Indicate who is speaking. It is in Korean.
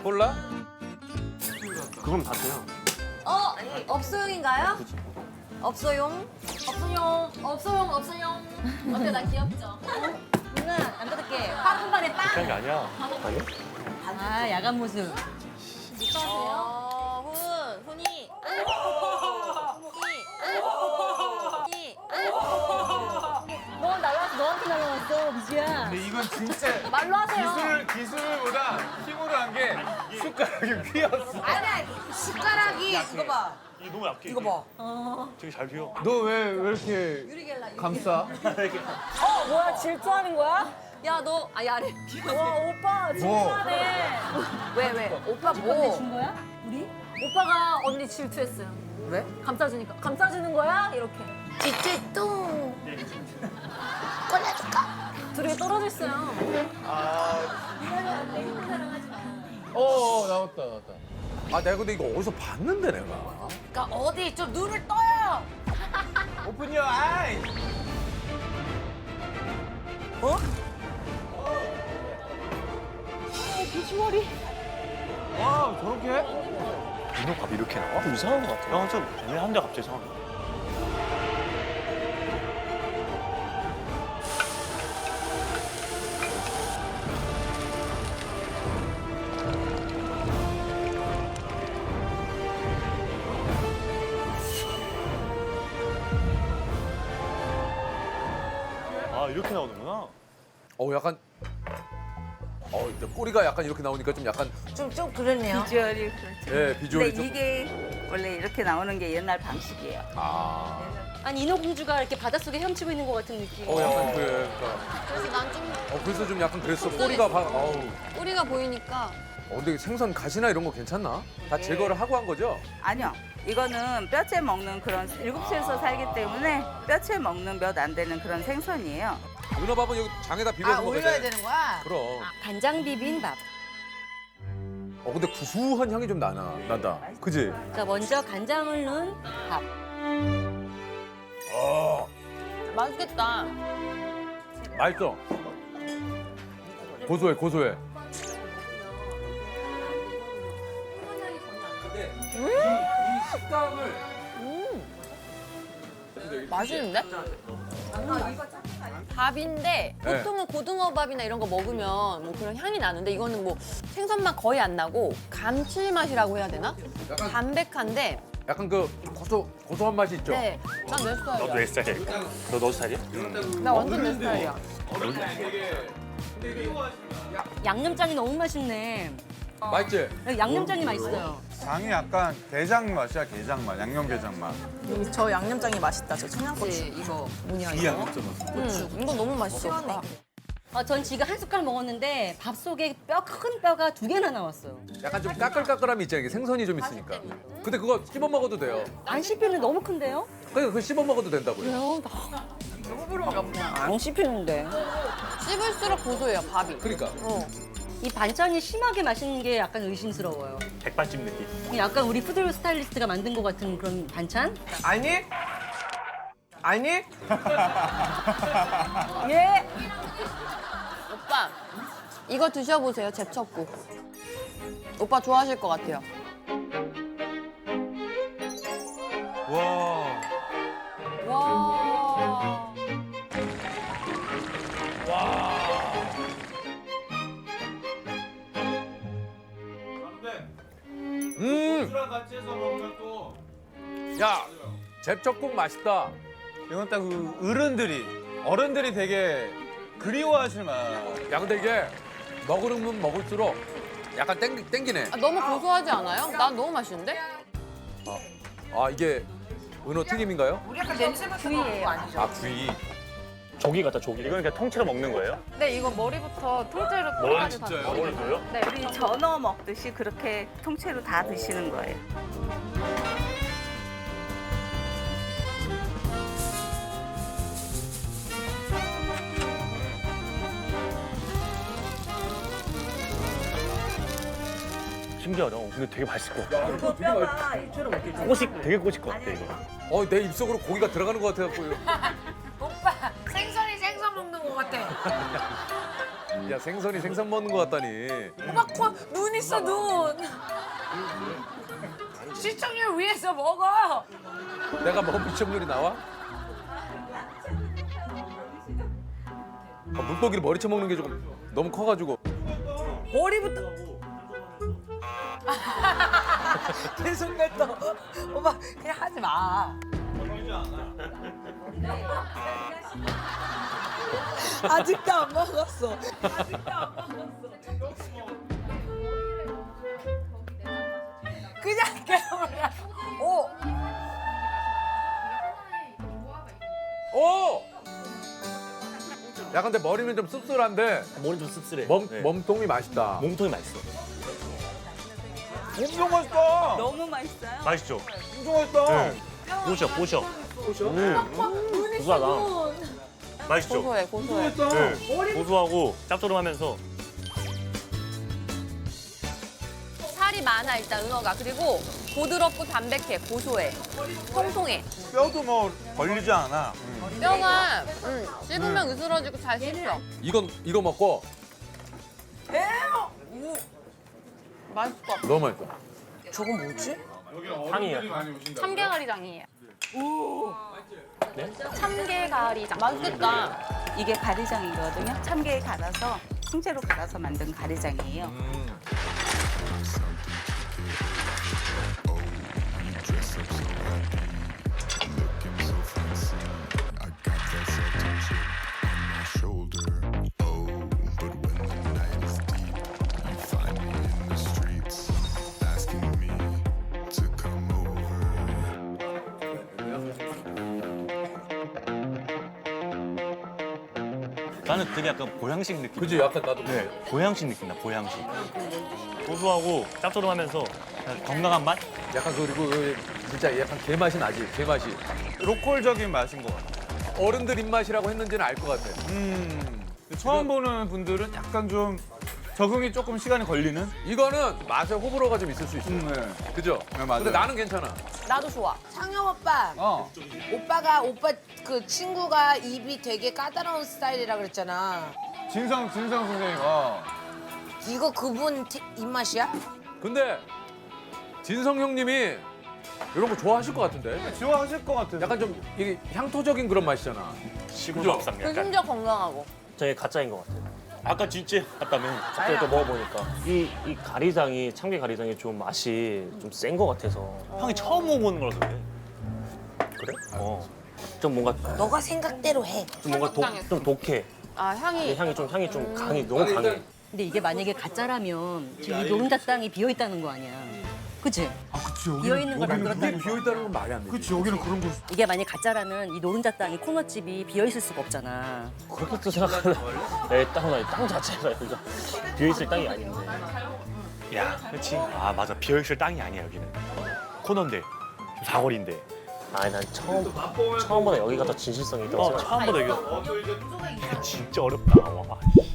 Speaker 1: 콜라?
Speaker 2: 그건 다 돼요.
Speaker 3: 업소용인가요? 업소용? 없어용. 어때, 나 귀엽죠?
Speaker 4: 누나 안 뜯을게. 한 번에 빵.
Speaker 2: 그런 게 아니야. 아니?
Speaker 4: 아 야간 모습.
Speaker 3: 훈이.
Speaker 4: 너 날라왔어. 너한테 날라왔어 미주야.
Speaker 1: 근데 이건 진짜
Speaker 3: 말로 하세요.
Speaker 1: 기술보다 힘으로 한 게 숟가락이 휘었어.
Speaker 3: 아니야, 숟가락이. 이거 봐.
Speaker 2: 이게 너무 약해.
Speaker 3: 이거 봐.
Speaker 2: 되게 잘 휘어.
Speaker 1: 너 왜 이렇게 감싸?
Speaker 4: 뭐야 질투하는 거야?
Speaker 3: 야, 너, 야래.
Speaker 4: 와 오빠 질투하네.
Speaker 3: 왜? 오빠 뭐?
Speaker 4: 준 거야? 우리?
Speaker 3: 오빠가 언니 질투했어요.
Speaker 5: 왜?
Speaker 3: 감싸주니까. 감싸주는 거야? 이렇게.
Speaker 5: 찌찌뚱.
Speaker 3: 둘이 떨어져 있어요.
Speaker 1: 나왔다. 아, 내가 근데 이거 어디서 봤는데, 내가.
Speaker 5: 그러니까 어디 좀 눈을 떠요.
Speaker 1: 오픈 your eyes.
Speaker 4: 비주얼이.
Speaker 1: 와, 저렇게 해?
Speaker 2: 민호밥 이렇게 나와? 좀 이상한 것 같아. 좀 애매한데 갑자기 이상한 거. 아, 이렇게 나오는구나.
Speaker 1: 약간. 근데 꼬리가 약간 이렇게 나오니까 좀 약간,
Speaker 5: 좀 그렇네요.
Speaker 6: 비주얼이 그렇죠.
Speaker 1: 예, 비주얼이
Speaker 6: 근데
Speaker 1: 좀.
Speaker 6: 이게 원래 이렇게 나오는 게 옛날 방식이에요.
Speaker 1: 아.
Speaker 4: 아니 인어공주가 이렇게 바닷속에 헤엄치고 있는 것 같은 느낌.
Speaker 1: 약간 그러니까.
Speaker 3: 그래서 난 좀
Speaker 1: 그래서 좀 약간 그랬어. 꼬리가
Speaker 3: 꼬리가 보이니까.
Speaker 1: 근데 생선 가시나 이런 거 괜찮나? 다 제거를 하고 한 거죠?
Speaker 6: 아니요. 이거는 뼈채 먹는 그런 일곱시에서 살기 때문에 뼈채 먹는 몇 안 되는 그런 생선이에요.
Speaker 1: 은어밥은 여기 장에다 비벼서 먹어야
Speaker 5: 올려야
Speaker 1: 돼.
Speaker 5: 되는 거야?
Speaker 1: 그럼.
Speaker 4: 간장 비빔밥.
Speaker 1: 근데 구수한 향이 좀 난다. 그지?
Speaker 4: 자 먼저 간장을 넣은 밥.
Speaker 3: 맛있겠다.
Speaker 1: 맛있어. 고소해. 이 식감을
Speaker 3: 맛있는데? 밥인데 보통은 고등어밥이나 이런 거 먹으면 뭐 그런 향이 나는데 이거는 뭐 생선맛 거의 안 나고 감칠맛이라고 해야 되나?
Speaker 1: 약간-
Speaker 3: 담백한데
Speaker 1: 약간 그 고소한 맛이 있죠?
Speaker 3: 네, 난 내
Speaker 2: 너도
Speaker 3: 스타일이야.
Speaker 2: 내 스타일이야? 너 스타일이야?
Speaker 3: 나 완전 내 스타일이야.
Speaker 4: 양념장이 너무 맛있네.
Speaker 1: 맛있지?
Speaker 4: 양념장이 맛있어요.
Speaker 7: 장이 약간 게장 맛이야, 게장 맛, 양념 게장 맛.
Speaker 5: 저 양념장이 맛있다. 저 청양고추.
Speaker 3: 이거 뭐냐
Speaker 7: 이
Speaker 3: 이거?
Speaker 7: 양념 맛.
Speaker 3: 이거 너무 맛있어.
Speaker 5: 시원해.
Speaker 4: 전 지금 한 숟갈 먹었는데 밥 속에 큰 뼈가 2개나 나왔어요.
Speaker 1: 약간 좀 까끌까끌함이 있잖아요. 이게 생선이 좀 있으니까. 근데 그거 씹어 먹어도 돼요.
Speaker 4: 안 씹히는 너무 큰데요?
Speaker 1: 그러니까 그거 씹어 먹어도 된다고요.
Speaker 4: 안 씹히는데.
Speaker 3: 씹을수록 고소해요 밥이.
Speaker 1: 그러니까.
Speaker 4: 이 반찬이 심하게 맛있는 게 약간 의심스러워요.
Speaker 2: 백반집 느낌.
Speaker 4: 약간 우리 푸드 스타일리스트가 만든 것 같은 그런 반찬?
Speaker 5: 아니?
Speaker 4: 예.
Speaker 3: 오빠 이거 드셔보세요 제첩국. 오빠 좋아하실 것 같아요.
Speaker 1: 와.
Speaker 3: 와.
Speaker 1: 같이 해서 먹으면 또. 야, 제첩국 맛있다.
Speaker 7: 이건 딱 그 어른들이 되게 그리워하실 맛.
Speaker 1: 야, 근데 이게 먹으면 먹을수록 약간 땡기네.
Speaker 3: 너무 고소하지 않아요? 난 너무 맛있는데?
Speaker 1: 이게 은어 튀김인가요?
Speaker 5: 우리 약간 냄새 맡는 거 아니죠?
Speaker 1: 구이.
Speaker 2: 조기 같다, 조기. 이건 그냥 통째로 먹는 거예요?
Speaker 3: 네 이거 머리부터 통째로
Speaker 2: 머리
Speaker 3: 끝까지
Speaker 2: 진짜요?
Speaker 3: 다.
Speaker 2: 머리 줘요?
Speaker 3: 네.
Speaker 6: 우리 전어 먹듯이 그렇게 통째로 다 드시는 거예요.
Speaker 2: 신기하다. 근데 되게 맛있을 것 같아.
Speaker 4: 그 뼈가 일처럼 먹겠지.
Speaker 2: 되게 꼬실 것 같아, 이거.
Speaker 1: 내 입속으로 고기가 들어가는 것 같아갖고.
Speaker 5: 오빠 생선 먹는 거 같아.
Speaker 1: 야 생선이 생선 먹는 거 같다니.
Speaker 5: 오빠 눈 있어 눈. 시청률 위해서 먹어.
Speaker 1: 내가 먹은 시청률이 나와? 물고기를 머리채 먹는 게 조금 너무 커가지고.
Speaker 5: 머리부터. 계속 뱉어. 오빠 그냥 하지 마. 아직도 안 먹었어. 그냥 깨물어. 오.
Speaker 1: 오! 야 근데 머리는 좀 씁쓸한데
Speaker 2: 머리 좀 씁쓸해.
Speaker 1: 몸통이 맛있다.
Speaker 2: 몸통이 맛있어.
Speaker 7: 엄청 맛있다.
Speaker 6: 너무 맛있어요.
Speaker 2: 맛있죠?
Speaker 7: 엄청 맛있다.
Speaker 2: 보셔, 보셔. 고소하다. 맛있죠?
Speaker 3: 고소해, 고소해.
Speaker 2: 네. 고소하고 짭조름하면서
Speaker 3: 살이 많아 일단 은어가. 그리고 부드럽고 담백해, 고소해, 통통해.
Speaker 7: 뼈도 뭐 걸리지 않아.
Speaker 3: 뼈가 씹으면 으스러지고 잘 씹혀.
Speaker 1: 이거 먹고
Speaker 3: 맛있어.
Speaker 1: 너무 맛있어.
Speaker 5: 저건 뭐지?
Speaker 2: 향이에요.
Speaker 3: 참게가리장이에요. 참게가리장. 맛있겠다.
Speaker 6: 이게 가리장이거든요. 참깨에 갈아서 통째로 갈아서 만든 가리장이에요.
Speaker 8: shoulder. Oh, but when the night is deep, you find me in the streets, asking me to come over.
Speaker 2: 나는 되게 약간 보양식 느낌.
Speaker 1: 그지 약간 나도.
Speaker 2: 네, 보양식 느낌 나, 보양식. 고소하고 짭조름하면서 그냥 건강한 맛?
Speaker 1: 약간 그리고 진짜 약간 게 맛이 나지. 게 맛이.
Speaker 7: 로컬적인 맛인 것 같아.
Speaker 1: 어른들 입맛이라고 했는지는 알 것 같아.
Speaker 7: 처음 보는 분들은 약간 좀 적응이 조금 시간이 걸리는?
Speaker 1: 이거는 맛에 호불호가 좀 있을 수 있어.
Speaker 7: 네.
Speaker 1: 그죠?
Speaker 7: 네, 맞아요.
Speaker 1: 근데 나는 괜찮아.
Speaker 3: 나도 좋아.
Speaker 5: 창영 오빠. 오빠 그 친구가 입이 되게 까다로운 스타일이라 그랬잖아.
Speaker 7: 진성 선생님.
Speaker 5: 이거 그분 입맛이야?
Speaker 1: 근데 진성 형님이 이런 거 좋아하실 것 같은데?
Speaker 7: 좋아하실 것 같아요.
Speaker 1: 약간 좀 이게 향토적인 그런 맛이잖아.
Speaker 2: 시골
Speaker 1: 그죠?
Speaker 2: 밥상 약간.
Speaker 3: 심지어 건강하고.
Speaker 9: 저게 가짜인 것 같아요.
Speaker 2: 아까 진짜 같다며.
Speaker 9: 갑자기 또 먹어보니까 이 가리장이 참깨 가리장이 좀 맛이 좀 센 것 같아서
Speaker 2: 형이 처음 먹어보는 거라서 그래.
Speaker 9: 그래? 좀 뭔가
Speaker 5: 너가 생각대로 해.
Speaker 9: 좀 뭔가 좀 독해.
Speaker 3: 아 향이.
Speaker 9: 향이 좀 강해 너무 강해.
Speaker 4: 근데 이게 만약에 가짜라면 지금 이 노른자 땅이 비어 있다는 거 아니야. 그치?
Speaker 7: 그치,
Speaker 4: 비어 있는 걸
Speaker 1: 근데
Speaker 4: 만들었다는 거.
Speaker 1: 비어있다는 건 말이 안 되지.
Speaker 7: 그치, 여기는 그런 거.
Speaker 4: 이게 만약 가짜라면 이 노른자 땅이 코너집이 비어 있을 수가 없잖아.
Speaker 9: 그렇게 또 생각하면 땅 자체가 여기가 비어있을 땅이 아닌데.
Speaker 2: 야, 그렇지. 아, 맞아. 비어있을 땅이 아니야, 여기는. 코너인데, 사거리인데.
Speaker 9: 아니 난 처음보다 여기가 더 진실성이 있다고 생각해.
Speaker 2: 처음보다 여기. 진짜 어렵다. 와.